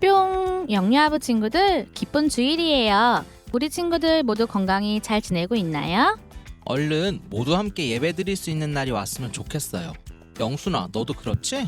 뿅! 영유아부 친구들, 기쁜 주일이에요. 우리 친구들 모두 건강히 잘 지내고 있나요? 얼른 모두 함께 예배드릴 수 있는 날이 왔으면 좋겠어요. 영순아, 너도 그렇지?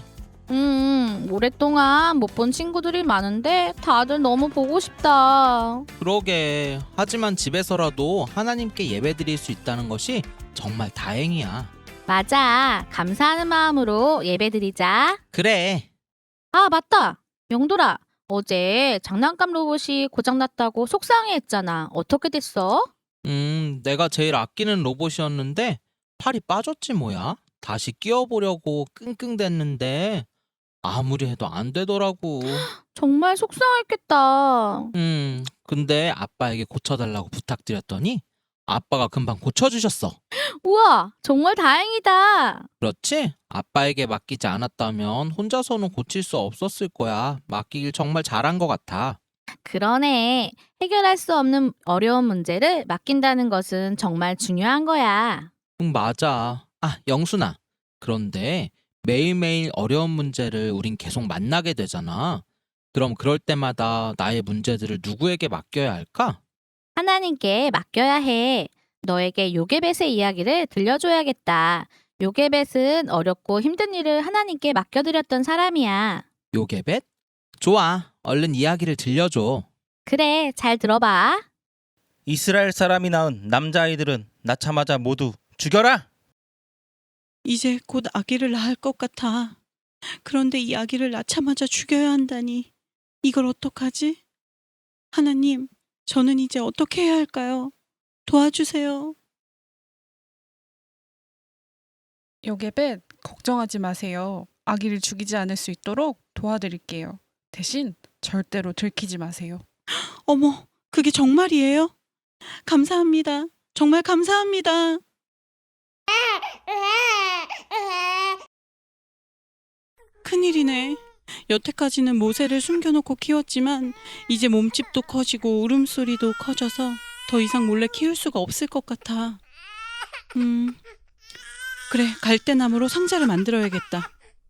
오랫동안 못 본 친구들이 많은데 다들 너무 보고 싶다. 그러게. 하지만 집에서라도 하나님께 예배드릴 수 있다는 것이 정말 다행이야. 맞아. 감사하는 마음으로 예배드리자. 그래. 아, 맞다. 영돌아, 어제 장난감 로봇이 고장났다고 속상해했잖아. 어떻게 됐어? 내가 제일 아끼는 로봇이었는데 팔이 빠졌지 뭐야. 다시 끼워보려고 끙끙댔는데 아무리 해도 안 되더라고. 정말 속상했겠다. 근데 아빠에게 고쳐달라고 부탁드렸더니 아빠가 금방 고쳐주셨어. 우와, 정말 다행이다. 그렇지? 아빠에게 맡기지 않았다면 혼자서는 고칠 수 없었을 거야. 맡기길 정말 잘한 것 같아. 그러네. 해결할 수 없는 어려운 문제를 맡긴다는 것은 정말 중요한 거야. 맞아. 아, 영순아. 그런데 매일매일 어려운 문제를 우린 계속 만나게 되잖아. 그럼 그럴 때마다 나의 문제들을 누구에게 맡겨야 할까? 하나님께 맡겨야 해. 너에게 요게벳의 이야기를 들려줘야겠다. 요게벳은 어렵고 힘든 일을 하나님께 맡겨드렸던 사람이야. 요게벳? 좋아. 얼른 이야기를 들려줘. 그래, 잘 들어봐. 이스라엘 사람이 낳은 남자아이들은 낳자마자 모두 죽여라! 이제 곧 아기를 낳을 것 같아. 그런데 이 아기를 낳자마자 죽여야 한다니. 이걸 어떡하지? 하나님, 저는 이제 어떻게 해야 할까요? 도와주세요. 요게벳, 걱정하지 마세요. 아기를 죽이지 않을 수 있도록 도와드릴게요. 대신 절대로 들키지 마세요. 어머, 그게 정말이에요? 감사합니다. 정말 감사합니다. 큰일이네. 여태까지는 모세를 숨겨놓고 키웠지만 이제 몸집도 커지고 울음소리도 커져서 더 이상 몰래 키울 수가 없을 것 같아. 그래, 갈대나무로 상자를 만들어야겠다.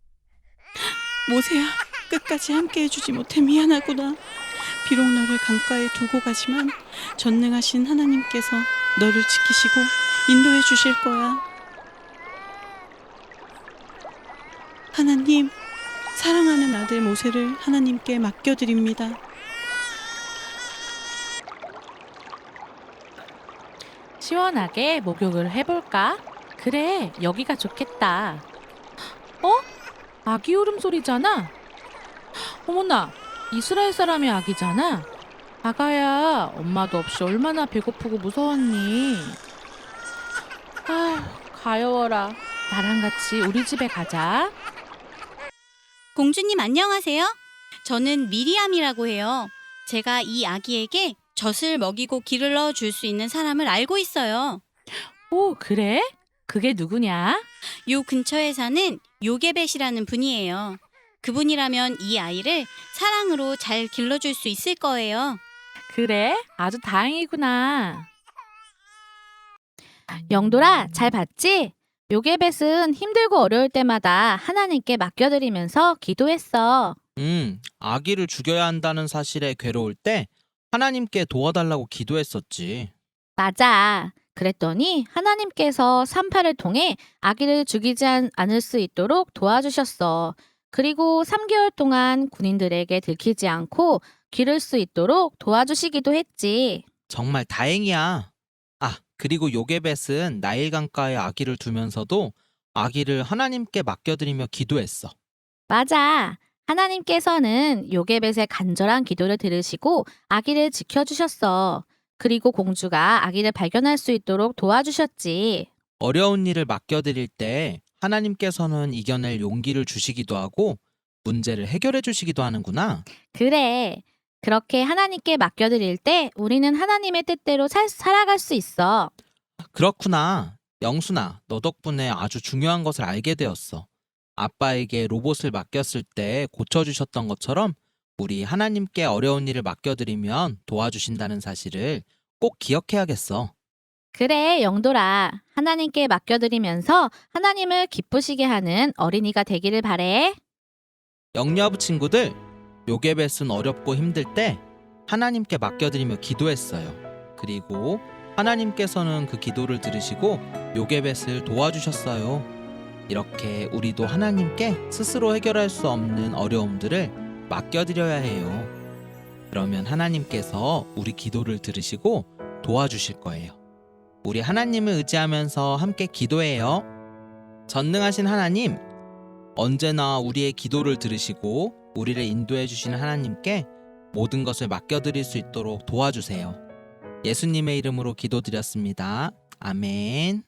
모세야, 끝까지 함께 해주지 못해 미안하구나. 비록 너를 강가에 두고 가지만 전능하신 하나님께서 너를 지키시고 인도해 주실 거야. 하나님, 사랑하는 아들 모세를 하나님께 맡겨드립니다. 시원하게 목욕을 해볼까? 그래, 여기가 좋겠다. 어? 아기 울음소리잖아? 어머나, 이스라엘 사람의 아기잖아? 아가야, 엄마도 없이 얼마나 배고프고 무서웠니? 아, 가여워라. 나랑 같이 우리 집에 가자. 공주님 안녕하세요. 저는 미리암이라고 해요. 제가 이 아기에게 젖을 먹이고 기를 넣어줄 수 있는 사람을 알고 있어요. 오, 그래? 그게 누구냐? 요 근처에 사는 요게벳이라는 분이에요. 그분이라면 이 아이를 사랑으로 잘 길러줄 수 있을 거예요. 그래? 아주 다행이구나. 영돌아, 잘 봤지? 요게벳은 힘들고 어려울 때마다 하나님께 맡겨드리면서 기도했어. 아기를 죽여야 한다는 사실에 괴로울 때 하나님께 도와달라고 기도했었지. 맞아. 그랬더니 하나님께서 산파를 통해 아기를 죽이지 않을 수 있도록 도와주셨어. 그리고 3개월 동안 군인들에게 들키지 않고 기를 수 있도록 도와주시기도 했지. 정말 다행이야. 아, 그리고 요게벳은 나일 강가에 아기를 두면서도 아기를 하나님께 맡겨드리며 기도했어. 맞아. 하나님께서는 요게벳의 간절한 기도를 들으시고 아기를 지켜주셨어. 그리고 공주가 아기를 발견할 수 있도록 도와주셨지. 어려운 일을 맡겨드릴 때 하나님께서는 이겨낼 용기를 주시기도 하고 문제를 해결해 주시기도 하는구나. 그래. 그렇게 하나님께 맡겨드릴 때 우리는 하나님의 뜻대로 살아갈 수 있어. 그렇구나. 영순아, 너 덕분에 아주 중요한 것을 알게 되었어. 아빠에게 로봇을 맡겼을 때 고쳐주셨던 것처럼 우리 하나님께 어려운 일을 맡겨드리면 도와주신다는 사실을 꼭 기억해야겠어. 그래, 영돌아. 하나님께 맡겨드리면서 하나님을 기쁘시게 하는 어린이가 되기를 바래. 영유아부 친구들, 요게벳은 어렵고 힘들 때 하나님께 맡겨드리며 기도했어요. 그리고 하나님께서는 그 기도를 들으시고 요게벳을 도와주셨어요. 이렇게 우리도 하나님께 스스로 해결할 수 없는 어려움들을 맡겨드려야 해요. 그러면 하나님께서 우리 기도를 들으시고 도와주실 거예요. 우리 하나님을 의지하면서 함께 기도해요. 전능하신 하나님, 언제나 우리의 기도를 들으시고 우리를 인도해 주시는 하나님께 모든 것을 맡겨드릴 수 있도록 도와주세요. 예수님의 이름으로 기도드렸습니다. 아멘.